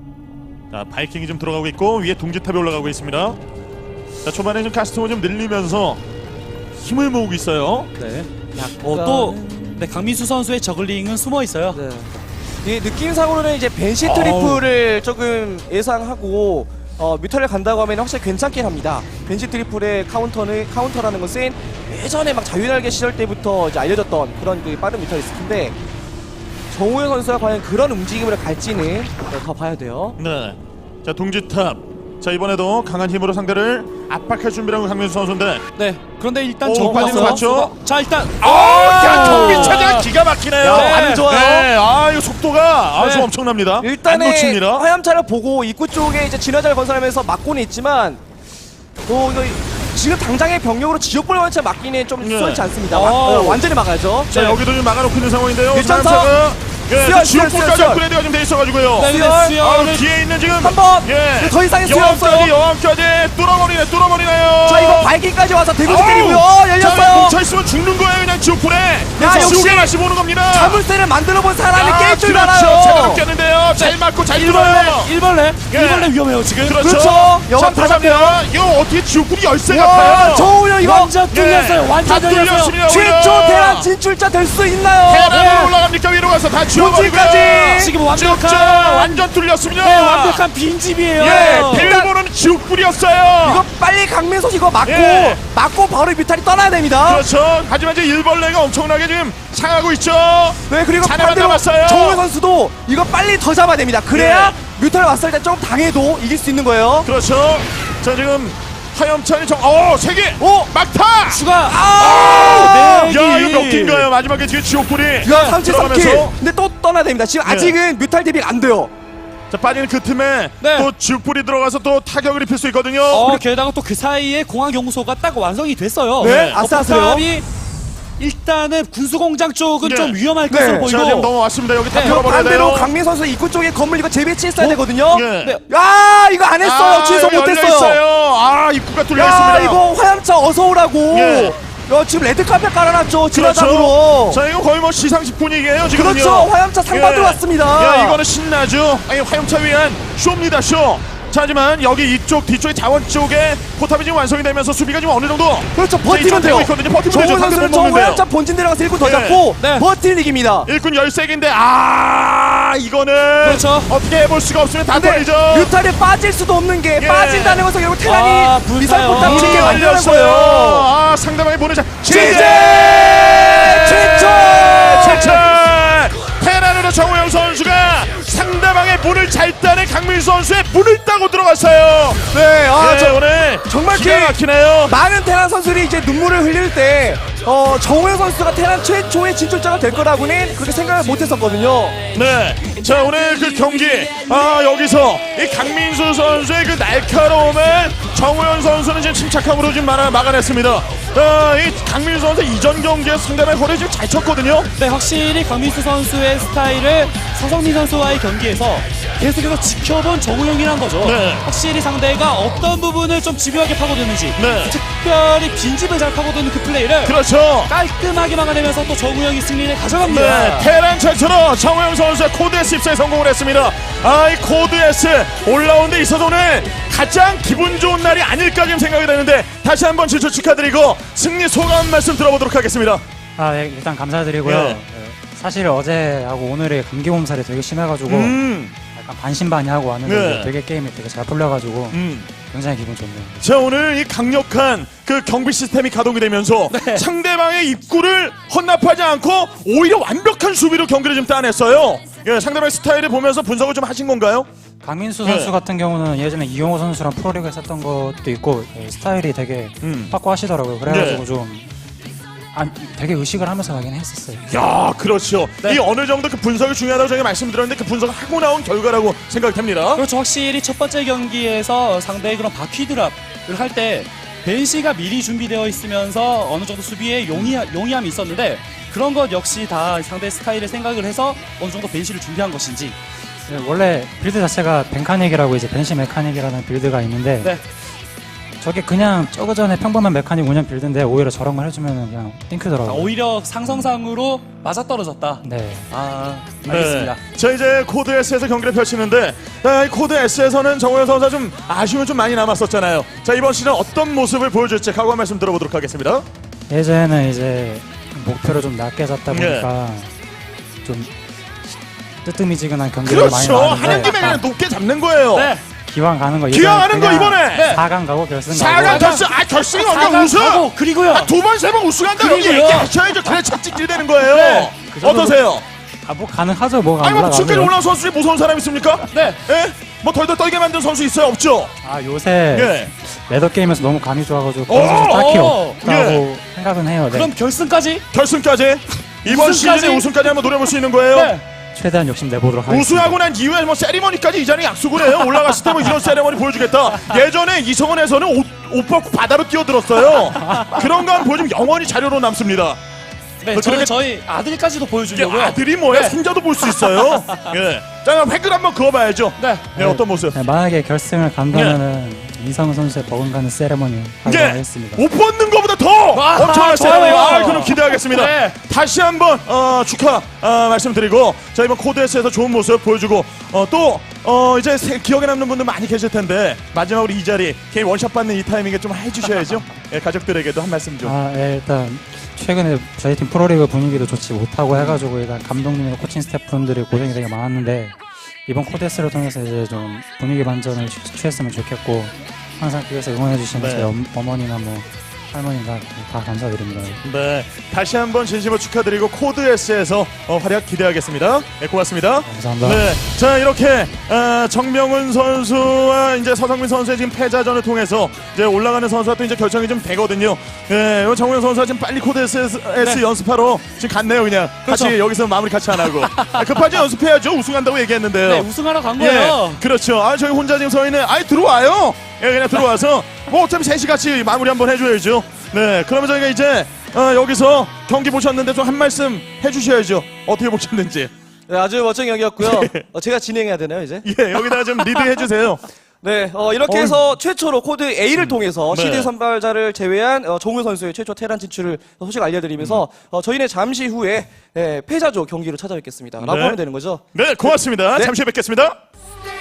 Speaker 1: 자 바이킹이 좀 들어가고 있고 위에 동지탑이 올라가고 있습니다. 자 초반에 좀 가스통을 좀 늘리면서 힘을 모으고 있어요.
Speaker 3: 네.
Speaker 2: 약간은-
Speaker 3: 어, 또 네, 강민수 선수의 저글링은 숨어 있어요.
Speaker 2: 네. 이 느낌상으로는 이제 벤시 트리플을 조금 예상하고 어, 뮤탈을 간다고 하면 확실히 괜찮긴 합니다. 벤시 트리플의 카운터는 카운터라는 것은 예전에 막 자유날개 시절 때부터 이제 알려졌던 그런 그 빠른 뮤탈리스크인데 정우영 선수가 과연 그런 움직임으로 갈지는 네, 더 봐야 돼요.
Speaker 1: 네. 자 동지탑. 자 이번에도 강한 힘으로 상대를 압박할 준비라고 강민수 선수인데.
Speaker 3: 네. 그런데 일단
Speaker 1: 오,
Speaker 3: 저거
Speaker 1: 빠지는 거
Speaker 3: 왔어요.
Speaker 1: 맞죠?
Speaker 3: 자, 일단
Speaker 1: 아, 야 경기 차지가 기가 막히네요.
Speaker 2: 야, 안 좋아요.
Speaker 1: 네. 아 이거 속도가 아주
Speaker 3: 네.
Speaker 1: 엄청납니다. 안
Speaker 2: 일단은
Speaker 1: 놓칩니다.
Speaker 2: 화염차를 보고 입구 쪽에 이제 진화자를 건설하면서 막고는 있지만 또 이거 지금 당장의 병력으로 지옥불 화염차 막기는 좀
Speaker 1: 네.
Speaker 2: 수월치 않습니다.
Speaker 3: 어.
Speaker 2: 마- 어, 완전히 막아야죠.
Speaker 1: 자 여기도 좀 막아놓고 있는 상황인데요.
Speaker 2: 일점사.
Speaker 1: 사람차가 예,
Speaker 2: 수열,
Speaker 1: 지옥불까지
Speaker 2: 수열, 수열.
Speaker 1: 업그레이드가 좀 돼 있어가지고요.
Speaker 3: 네, 근데
Speaker 2: 수열.
Speaker 1: 아,
Speaker 3: 수열을
Speaker 1: 뒤에 있는 지금
Speaker 2: 한 번!
Speaker 1: 예.
Speaker 2: 더 이상의 수요
Speaker 1: 여왕까지
Speaker 2: 없어요.
Speaker 1: 여왕까지 뚫어버리네 뚫어버리나요.
Speaker 2: 자 이거 바이킹까지 와서 대구지
Speaker 1: 아우!
Speaker 2: 때리고요.
Speaker 1: 자
Speaker 2: 열렸어요.
Speaker 1: 뭉쳐있으면 죽는 거예요 그냥 지옥불에.
Speaker 2: 야, 역시
Speaker 1: 지옥에 맛이 보는 겁니다.
Speaker 2: 자물쇠를 만들어본 사람이 깰 줄
Speaker 1: 그렇죠.
Speaker 2: 알아요.
Speaker 1: 제대로 꼈는데요. 잘 맞고 잘
Speaker 3: 일벌레,
Speaker 1: 뚫어요.
Speaker 3: 일벌레,
Speaker 1: 예.
Speaker 3: 일벌레 위험해요 지금.
Speaker 1: 그렇죠.
Speaker 2: 그렇죠. 여왕
Speaker 1: 자,
Speaker 2: 다 잡혀요.
Speaker 1: 잡혀요. 이거 어떻게 지옥불이 열쇠
Speaker 2: 와,
Speaker 1: 같아요.
Speaker 2: 정우영 이거
Speaker 3: 완전 뚫렸어요. 완전
Speaker 1: 다
Speaker 3: 뚫렸어요.
Speaker 1: 뚫렸습니다.
Speaker 2: 최초
Speaker 1: 오히려.
Speaker 2: 대란 진출자 될 수 있나요?
Speaker 1: 대란으로
Speaker 3: 네.
Speaker 1: 올라갑니까 위로 가서 다 지워버리고요.
Speaker 2: 본진까지.
Speaker 3: 지금
Speaker 1: 쭉쭉
Speaker 3: 완벽한
Speaker 1: 완전 뚫렸습니다.
Speaker 3: 네, 완벽한 빈집이에요.
Speaker 1: 예, 빌보는 지옥불이었어요.
Speaker 2: 이거 빨리 강민석 이거 맞고
Speaker 1: 예.
Speaker 2: 맞고 바로 뮤탈이 떠나야 됩니다.
Speaker 1: 그렇죠. 하지만 이제 일벌레가 엄청나게 지금 상하고 있죠.
Speaker 2: 네 그리고
Speaker 1: 자네만
Speaker 2: 반대로
Speaker 1: 남았어요.
Speaker 2: 정우영 선수도 이거 빨리 더 잡아야 됩니다. 그래야 뮤탈 왔을 때 좀 당해도 이길 수 있는 거예요.
Speaker 1: 그렇죠. 자 지금 화염차이 정, 어, 세 개.
Speaker 2: 오!
Speaker 1: 막타.
Speaker 3: 추가.
Speaker 2: 아!
Speaker 3: 네.
Speaker 1: 야, 이거 몇 개인가요? 마지막에 지금 지옥불이.
Speaker 2: 야, 삼칠 삼 킬.
Speaker 1: 들어가면서.
Speaker 2: 근데 또 떠나야 됩니다. 지금
Speaker 1: 네.
Speaker 2: 아직은 뮤탈 대비가 안 돼요.
Speaker 1: 자 빠지는 그 틈에
Speaker 3: 네.
Speaker 1: 또 지옥불이 들어가서 또 타격을 입힐 수 있거든요.
Speaker 3: 어, 게다가 또 그 사이에 공항연구소가 딱 완성이 됐어요.
Speaker 2: 네,
Speaker 3: 어,
Speaker 2: 아슬아슬해요.
Speaker 3: 포탑이 일단은 군수공장 쪽은
Speaker 1: 네.
Speaker 3: 좀 위험할
Speaker 2: 네.
Speaker 3: 것으로
Speaker 1: 자 지금
Speaker 3: 보이고.
Speaker 1: 넘어왔습니다. 여기 다
Speaker 3: 네.
Speaker 1: 들어버려야
Speaker 2: 반대로
Speaker 1: 돼요.
Speaker 2: 강민 선수 입구 쪽에 건물 이거 재배치했어야 되거든요.
Speaker 1: 예.
Speaker 3: 네.
Speaker 2: 야, 이거 안 했어요.
Speaker 1: 아,
Speaker 2: 취소
Speaker 1: 여기
Speaker 2: 못했어요.
Speaker 1: 열려있어요. 아 입구가 뚫려
Speaker 2: 야,
Speaker 1: 있습니다.
Speaker 2: 이거 화염차 어서 오라고.
Speaker 1: 예.
Speaker 2: 야, 지금 레드카펫 깔아놨죠.
Speaker 1: 그렇죠.
Speaker 2: 진화장으로.
Speaker 1: 자 이거 거의 뭐 시상식 분위기예요 지금.
Speaker 2: 그렇죠. 화염차 상 받으러 왔습니다.
Speaker 1: 야 이거는 신나죠. 아니 화염차 위한 쇼입니다 쇼. 자, 하지만 여기 이쪽 뒤쪽에 자원 쪽에 포탑이 지금 완성이 되면서 수비가 지금 어느 정도
Speaker 2: 그렇죠.
Speaker 1: 자,
Speaker 2: 버티면
Speaker 1: 이쪽 되고
Speaker 2: 돼요.
Speaker 1: 있거든요. 버티면 되죠.
Speaker 2: 정우영
Speaker 1: 상대
Speaker 2: 선수는
Speaker 1: 못
Speaker 2: 저
Speaker 1: 먹는데요.
Speaker 2: 활짝 본진 들어가서 일꾼 더
Speaker 1: 예.
Speaker 2: 잡고
Speaker 3: 네.
Speaker 2: 버틸 이깁니다.
Speaker 1: 일꾼 열색인데 아 이거는
Speaker 3: 그렇죠.
Speaker 1: 어떻게 해볼 수가 없으면 다
Speaker 2: 근데
Speaker 1: 떨리죠.
Speaker 2: 뮤탈에 빠질 수도 없는 게
Speaker 1: 예.
Speaker 2: 빠진다는 것은 결국 테란이
Speaker 3: 아, 불타요.
Speaker 2: 미사일 포탑
Speaker 1: 문이
Speaker 2: 짓게 만드는
Speaker 1: 열렸어요.
Speaker 2: 거예요.
Speaker 1: 아 상대방이 보내자
Speaker 2: 제재!
Speaker 1: 최초 최초 테란으로 정우영 선수가 상대방의 문을 잘 따는 강민수 선수의 문을 따고 들어갔어요.
Speaker 2: 네, 아,
Speaker 1: 예,
Speaker 2: 저
Speaker 1: 오늘
Speaker 2: 정말
Speaker 1: 기가
Speaker 2: 그-
Speaker 1: 막히네요.
Speaker 2: 많은 테란 선수들이 이제 눈물을 흘릴 때 어, 정우영 선수가 테란 최초의 진출자가 될 거라고는 그렇게 생각을 못했었거든요.
Speaker 1: 네, 자 오늘 그 경기 아 여기서 이 강민수 선수의 그 날카로움을 정우영 선수는 지금 침착함으로 지금 막아, 막아냈습니다. 아, 이 강민수 선수 이전 경기에 상대방의 허리 지금 잘 쳤거든요.
Speaker 3: 네, 확실히 강민수 선수의 스타일을 서성민 선수와의 경기에서 계속해서 지켜본 정우영이란 거죠.
Speaker 1: 네.
Speaker 3: 확실히 상대가 어떤 부분을 좀 집요하게 파고드는지,
Speaker 1: 네.
Speaker 3: 특별히 빈집을 잘 파고드는 그 플레이를
Speaker 1: 그렇죠.
Speaker 3: 깔끔하게 막아내면서 또 정우영이 승리를 가져갑니다.
Speaker 1: 네, 테란 최초로 정우영 선수의 코드 S 입사에 성공을 했습니다. 아, 이 코드 S 올라온 데 있어서 오늘 가장 기분 좋은 날이 아닐까 지금 생각이 되는데 다시 한번 진출 축하드리고 승리 소감 말씀 들어보도록 하겠습니다.
Speaker 5: 아, 네, 일단 감사드리고요.
Speaker 1: 예.
Speaker 5: 네, 사실 어제하고 오늘의 감기 몸살이 되게 심해가지고
Speaker 1: 음,
Speaker 5: 약간 반신반의하고 왔는데
Speaker 1: 네.
Speaker 5: 되게 게임이 되게 잘 풀려가지고
Speaker 1: 음.
Speaker 5: 굉장히 기분 좋네요.
Speaker 1: 자 오늘 이 강력한 그 경비 시스템이 가동이 되면서
Speaker 3: 네.
Speaker 1: 상대방의 입구를 헌납하지 않고 오히려 완벽한 수비로 경기를 좀 따냈어요. 예, 상대방의 스타일을 보면서 분석을 좀 하신 건가요?
Speaker 5: 강민수
Speaker 1: 네.
Speaker 5: 선수 같은 경우는 예전에 이용호 선수랑 프로리그 했었던 것도 있고 예, 스타일이 되게
Speaker 1: 음.
Speaker 5: 확고하시더라고요. 그래가지고
Speaker 1: 네.
Speaker 5: 좀 아, 되게 의식을 하면서 가긴 했었어요.
Speaker 1: 야, 그렇죠.
Speaker 3: 네.
Speaker 1: 이 어느 정도 그 분석이 중요하다고 저희가 말씀드렸는데 그 분석을 하고 나온 결과라고 생각이 됩니다.
Speaker 3: 그렇죠. 확실히 첫 번째 경기에서 상대의 그런 바퀴 드랍을 할 때 벤시가 미리 준비되어 있으면서 어느 정도 수비에 용이, 용이함이 있었는데 그런 것 역시 다 상대 스타일을 생각을 해서 어느 정도 벤시를 준비한 것인지.
Speaker 5: 네, 원래 빌드 자체가 벤카닉이라고 이제 벤시 메카닉이라는 빌드가 있는데
Speaker 3: 네.
Speaker 5: 저게 그냥 저거 전에 평범한 메카닉 운영 빌드인데 오히려 저런 걸 해주면 그냥 띵크더라고요.
Speaker 3: 오히려 상성상으로 맞아떨어졌다.
Speaker 5: 네.
Speaker 3: 아, 알겠습니다.
Speaker 1: 네. 자 이제 코드 S에서 경기를 펼치는데 아, 이 코드 S에서는 정우영 선수가 좀 아쉬움이 좀 많이 남았었잖아요. 자 이번 시즌 어떤 모습을 보여줄지 각오한 말씀 들어보도록 하겠습니다.
Speaker 5: 예전에는 이제 목표를 좀 낮게 잡다 보니까 좀 뜨뜨미지근한 경기를 많이
Speaker 1: 그렇죠. 하는
Speaker 5: 나왔는데
Speaker 1: 김에 그냥 높게 잡는 거예요.
Speaker 3: 네.
Speaker 5: 기왕 가는 거
Speaker 1: 기왕 하는 거
Speaker 5: 그냥
Speaker 1: 이번에! 네.
Speaker 5: 사 강 가고 결승
Speaker 1: 사
Speaker 5: 가고
Speaker 1: 강 결승, 아 결승이 언제
Speaker 3: 사강
Speaker 1: 우승?
Speaker 3: 가고, 그리고요.
Speaker 1: 두 번 세 번 우승한다 여기
Speaker 3: 그리고요.
Speaker 1: 얘기하셔야죠. 그래 채찍질 되는 거예요.
Speaker 3: 네.
Speaker 5: 그 정도로-
Speaker 1: 어떠세요?
Speaker 5: 아, 뭐 가능하죠. 뭐가
Speaker 1: 아니 뭐
Speaker 5: 올라가면.
Speaker 1: 지금까지 올라온 선수 중에 무서운 사람 있습니까?
Speaker 3: 네.
Speaker 1: 예? 뭐 덜덜 떨게 만든 선수 있어요? 없죠?
Speaker 5: 아 요새
Speaker 1: 예.
Speaker 5: 레더 게임에서 너무 감이 좋아가지고
Speaker 1: 오,
Speaker 5: 그런 선수 딱히
Speaker 3: 오,
Speaker 5: 없다고 생각은 해요. 네.
Speaker 3: 그럼 결승까지?
Speaker 1: 결승까지 이번
Speaker 3: 우승까지?
Speaker 1: 시즌에 우승까지 한번 노려볼 수 있는 거예요.
Speaker 3: 네.
Speaker 5: 최대한 욕심 내보도록 하겠습니다.
Speaker 1: 우승하고 난 이후에 뭐 세리머니까지 이전에 약속을 해요. 올라갔을 때 뭐 이런 세리머니 보여주겠다. 예전에 이성원에서는 옷, 옷 벗고 바다로 뛰어들었어요. 그런 거 한번 보여주면 영원히 자료로 남습니다.
Speaker 3: 네,
Speaker 1: 뭐
Speaker 3: 저는
Speaker 1: 그렇게-
Speaker 3: 저희 아들까지도
Speaker 1: 이게
Speaker 3: 보여주려고요.
Speaker 1: 아들이 뭐야?
Speaker 3: 네.
Speaker 1: 손자도 볼 수 있어요. 예. 자, 그럼 획을 한번 그어봐야죠.
Speaker 3: 네.
Speaker 1: 네, 어떤 모습?
Speaker 5: 네, 만약에 결승을 간다면은 이성훈 선수의 버금가는 세레머니 하도록
Speaker 1: 예.
Speaker 5: 하겠습니다.
Speaker 1: 옷 벗는 것보다 더
Speaker 3: 아,
Speaker 1: 엄청난
Speaker 3: 좋아요.
Speaker 1: 세레머니. 아, 그럼 기대하겠습니다.
Speaker 3: 네.
Speaker 1: 다시 한번 어, 축하 어, 말씀드리고 자 이번 코드에스에서 좋은 모습 보여주고 어, 또 어, 이제 세- 기억에 남는 분들 많이 계실 텐데 마지막으로 이 자리 개인 원샷 받는 이 타이밍에 좀 해주셔야죠. 예, 가족들에게도 한 말씀 좀.
Speaker 5: 아, 예, 일단 최근에 저희 팀 프로리그 분위기도 좋지 못하고 해가지고 일단 감독님이나 코칭 스태프분들이 고생이 되게 많았는데 이번 코데스를 통해서 이제 좀 분위기 반전을 취- 취했으면 좋겠고 항상 뒤에서 응원해주시는
Speaker 1: 네.
Speaker 5: 저희 엄, 어머니나 뭐 할머니가 다 감사드립니다.
Speaker 1: 네, 다시 한번 진심으로 축하드리고 코드에스에서 어, 활약 기대하겠습니다. 네, 고맙습니다.
Speaker 5: 감사합니다.
Speaker 1: 네, 자 이렇게 어, 정명훈 선수와 이제 서성민 선수의 지금 패자전을 통해서 이제 올라가는 선수와 또 이제 결정이 좀 되거든요. 네, 요 정명훈 선수가 지금 빨리 코드에스
Speaker 3: 네.
Speaker 1: 연습하러 지금 갔네요, 그냥
Speaker 3: 그렇죠.
Speaker 1: 같이 여기서 마무리 같이 안 하고 아, 급하게 연습해야죠. 우승한다고 얘기했는데요.
Speaker 3: 네, 우승하러 간 거예요.
Speaker 1: 예, 그렇죠. 아 저희 혼자 지금 서 있는, 아이 들어와요. 예, 그냥 들어와서 뭐 어차피 셋이 같이 마무리 한번 해줘야죠. 네, 그러면 저희가 이제 어, 여기서 경기 보셨는데 좀 한 말씀 해주셔야죠. 어떻게 보셨는지.
Speaker 2: 네, 아주 멋진 경기였고요. 어, 제가 진행해야 되나요 이제?
Speaker 1: 예, 여기다가 좀 리드 해주세요.
Speaker 2: 네, 어, 이렇게
Speaker 1: 어.
Speaker 2: 해서 최초로 코드 A를 통해서
Speaker 1: 네.
Speaker 2: 시드 선발자를 제외한 어, 정우 선수의 최초 테란 진출을 소식 알려드리면서 어, 저희는 잠시 후에 예, 패자조 경기로 찾아뵙겠습니다. 라고
Speaker 1: 네.
Speaker 2: 하면 되는 거죠.
Speaker 1: 네, 고맙습니다.
Speaker 2: 네.
Speaker 1: 잠시 후에 뵙겠습니다.